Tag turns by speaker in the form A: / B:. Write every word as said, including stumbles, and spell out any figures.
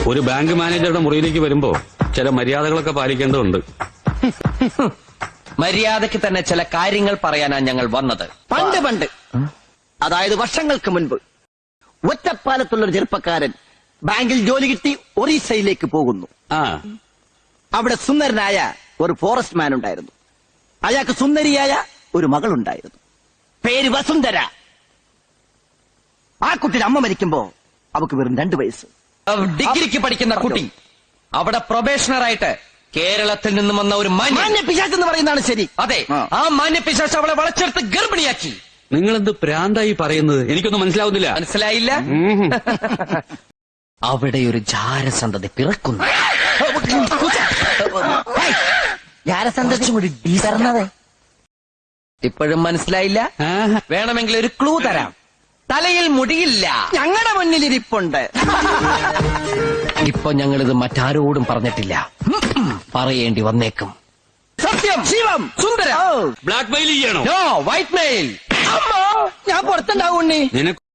A: ഒരു ബാങ്ക് മാനേജറുടെ മുറിയിലേക്ക് വരുമ്പോ ചില മര്യാദകളൊക്കെ പാലിക്കേണ്ടതുണ്ട്.
B: മര്യാദയ്ക്ക് തന്നെ ചില കാര്യങ്ങൾ പറയാനാണ് ഞങ്ങൾ വന്നത്.
C: പണ്ട് പണ്ട് അതായത് വർഷങ്ങൾക്ക് മുൻപ് ഒറ്റപ്പാലത്തുള്ളൊരു ചെറുപ്പക്കാരൻ ബാങ്കിൽ ജോലി കിട്ടി ഒറീസയിലേക്ക് പോകുന്നു.
A: ആ
C: അവിടെ സുന്ദരനായ ഒരു ഫോറസ്റ്റ് മാൻ ഉണ്ടായിരുന്നു. അയാൾക്ക് സുന്ദരിയായ ഒരു മകളുണ്ടായിരുന്നു. പേര് വസുന്ധര. ആ കുട്ടിയുടെ അമ്മ മരിക്കുമ്പോ അവക്ക് വെറും രണ്ടു വയസ്സ്.
B: ഡിഗ്രിക്ക് പഠിക്കുന്ന കുട്ടി അവിടെ പ്രൊബേഷണറായിട്ട് കേരളത്തിൽ നിന്നും വന്ന ഒരു
C: മാന്യ പിശാച് എന്ന് പറയുന്നതാണ് ശരി.
B: അതെ, ആ മാന്യ പിശാച് അവളെ വളച്ചെടുത്ത് ഗർഭിണിയാക്കി.
A: നിങ്ങളെന്ത് പ്രാന്തായി പറയുന്നത്? എനിക്കൊന്നും മനസ്സിലാവുന്നില്ല.
B: മനസ്സിലായില്ല? അവിടെ ഒരു ജാരസന്തതി പിറക്കുന്നു. ഇപ്പോഴും മനസ്സിലായില്ല? വേണമെങ്കിൽ ഒരു ക്ലൂ തരാം. തലയിൽ മുടിയില്ല.
C: ഞങ്ങളുടെ മുന്നിൽ ഇരിപ്പുണ്ട്.
B: ഇപ്പൊ ഞങ്ങളിത് മറ്റാരോടും പറഞ്ഞിട്ടില്ല. പറയേണ്ടി വന്നേക്കും.
C: സത്യം, ശിവം, സുന്ദര.
A: ബ്ലാക്ക് മെയിൽ ചെയ്യണോ?
B: No, white mail.
C: ഞാൻ പുറത്തുണ്ടാവും ഉണ്ണി.
A: നിനക്ക്